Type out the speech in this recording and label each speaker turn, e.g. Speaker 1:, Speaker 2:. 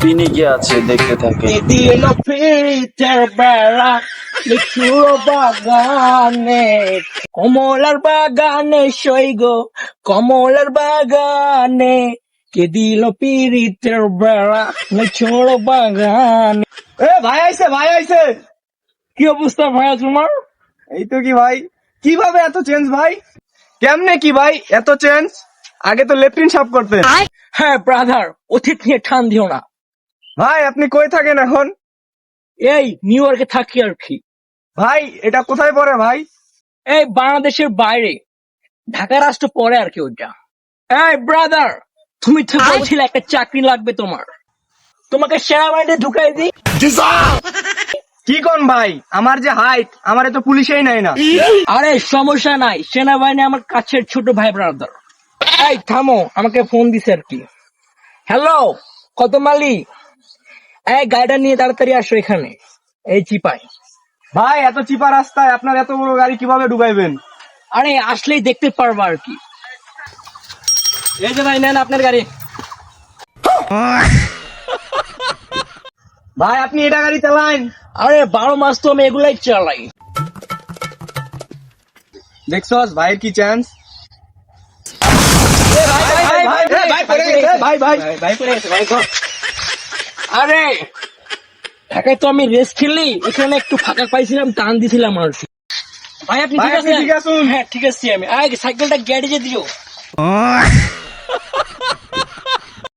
Speaker 1: পিনিকে আছে, দেখতে থাকে।
Speaker 2: দিল ফিরিতের বেলা লিচুর বাগানে, কমলার বাগানে সইগ, কমলার বাগানে কে দিল পিরিতের বেলা লিচুর বাগানে।
Speaker 3: ভাই আইছে, ভাই আইছে।
Speaker 2: কি অবস্থা ভাইয়া তোমার?
Speaker 3: এই তো কি ভাই, কিভাবে এত চেঞ্জ ভাই? কেমনে কি ভাই এত চেঞ্জ? আগে তো লেফটিন সাফ করতেন।
Speaker 2: হ্যাঁ ব্রাদার, অতীত নিয়ে ঠান দিও না।
Speaker 3: ভাই আপনি কই থাকেন এখন?
Speaker 2: এই নিউ ইয়র্কে থাকি আর কি।
Speaker 3: ভাই এটা কোথায় পড়ে ভাই?
Speaker 2: এই বাংলাদেশের বাইরে, ঢাকা রাষ্ট্র পরে আর কি ওইটা। এই ব্রাদার, তুমি তো বলছিলে একটা চাকরি লাগবে তোমার, তোমাকে সেনাবাহিনীতে ঢুকাই দিই।
Speaker 3: কি কোন ভাই, আমার যে হাইট, আমারে তো পুলিশেই নাই না।
Speaker 2: আরে সমস্যা নাই, সেনাবাহিনী আমার কাছের ছোট ভাই ব্রাদার। এই থামো, আমাকে ফোন দিছে আর কি। হ্যালো, কত মালি? এই গাড়িটা নিয়ে তাড়াতাড়ি আসো এখানে, এই চিপাই।
Speaker 3: ভাই এত চিপা রাস্তায় আপনার এত বড় গাড়ি কিভাবে ঢুকাইবেন?
Speaker 2: আরে আসলেই দেখতে পারবা আর কি। এই যে ভাই নেন আপনার গাড়ি।
Speaker 3: ভাই আপনি এটা গাড়ি চালান?
Speaker 2: আরে 12 মাস তো আমি এগুলাই চালাই।
Speaker 3: দেখছস ভাইয়ের কি চান্স?
Speaker 2: আরে ঢাকায় তো আমি রেস খেললি, এখানে একটু ফাঁকা পাইছিলাম, টান দিছিলাম আর কি। ভাই আপনি
Speaker 3: ভাই,
Speaker 2: ঠিক
Speaker 3: আপনি
Speaker 2: আছে?
Speaker 3: ঠিক আছেন?
Speaker 2: হ্যাঁ ঠিক আছে। আমি আগে সাইকেলটা গ্যারেজে দিও।